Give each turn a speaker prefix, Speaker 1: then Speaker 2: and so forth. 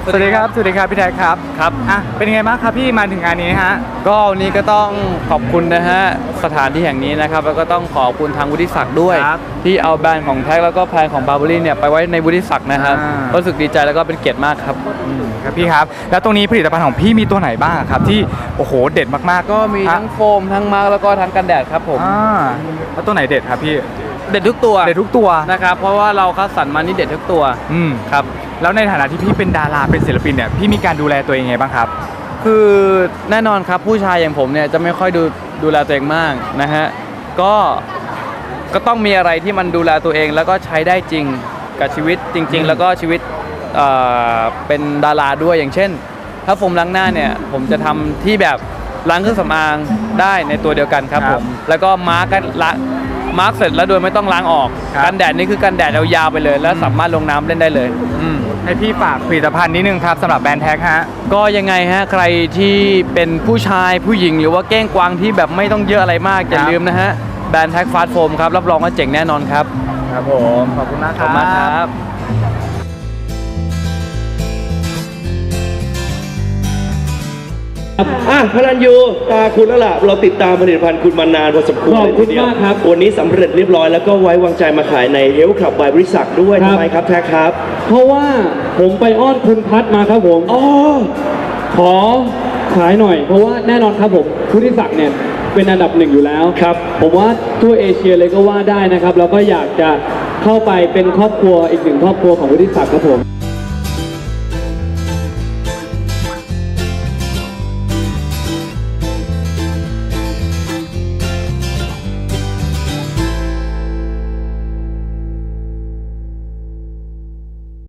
Speaker 1: สวัสดีครับพี่แท็กครับเป็นยังไงบ้างครับพี่มาถึงงานนี้ฮะ
Speaker 2: ก็วันนี้ก็ต้องขอบคุณนะฮะสถานที่แห่งนี้นะครับแล้วก็ต้องขอบคุณทางวุฒิศักดิ์ด้วยที่เอาแบรนด์ของแท็กแล้วก็แบรนด์ของบาร์เบอรี่เนี่ยไปไว้ในวุฒิศักดิ์นะครับรู้สึกดีใจแล้วก็เป็นเกียรติมากครับ
Speaker 1: ครับพี่ครับแล้วตรงนี้ผลิตภัณฑ์ของพี่มีตัวไหนบ้างครับที่โอ้โหเด็ดมากๆ
Speaker 2: ก็มีทั้งโฟมทั้งมาร์กแล้วก็ทั้งกันแดดครับผม
Speaker 1: แล้วตัวไหนเด็ดครับพี่
Speaker 2: เด็ดทุกตัวนะครับเพราะว่าเราคัดสรรมานี่เด็ดทุกตัว
Speaker 1: ครับแล้วในฐานะที่พี่เป็นดาราเป็นศิลปินเนี่ยพี่มีการดูแลตัวเองไงบ้างครับ
Speaker 2: คือแน่นอนครับผู้ชายอย่างผมเนี่ยจะไม่ค่อยดูแลตัวเองมากนะฮะก็ต้องมีอะไรที่มันดูแลตัวเองแล้วก็ใช้ได้จริงกับชีวิตจริงๆแล้วก็ชีวิตเป็นดาราด้วยอย่างเช่นถ้าโฟมล้างหน้าเนี่ยผมจะทำที่แบบล้างเครื่องสำอางได้ในตัวเดียวกันครับผมแล้วก็มาร์กเสร็จแล้วโดยไม่ต้องล้างออกกันแดดนี่คือกันแดดยาวๆไปเลยแล้วสามารถลงน้ำเล่นได้เลย
Speaker 1: ให้พี่ฝากผลิตภัณฑ์นิดนึงครับสำหรับแบรนด์แท็กฮะ
Speaker 2: ก็ยังไงฮะใครที่เป็นผู้ชายผู้หญิงหรือว่าเก้งกวางที่แบบไม่ต้องเยอะอะไรมากอย่าลืมนะฮะแบรนด์แท็กฟาสต์โฟมครับรับรองว่าเจ๋งแน่นอนครับ
Speaker 1: ครับผมขอบคุณมาก
Speaker 2: ครับ
Speaker 3: พลันยูตาคุณแล้วล่ะเราติดตามผลิตภัณฑ์คุณมานานพอสมควรเลยทีเดียววันนี้สำเร็จเรียบร้อยแล้วก็ไว้วางใจมาขายในเฮลท์คลับบายบริษัทด้วยทำไมครับแท็กครับ
Speaker 4: เพราะว่าผมไปอ้อนคุณพัดมาครับผมขอขายหน่อยเพราะว่าแน่นอนครับผมวุฒิศักดิ์เนี่ยเป็นอันดับหนึ่งอยู่แล้ว
Speaker 3: ครับ
Speaker 4: ผมว่าทั่วเอเชียเลยก็ว่าได้นะครับแล้วก็อยากจะเข้าไปเป็นครอบครัวอีกหนึ่งครอบครัวของวุฒิศักดิ์ครับผม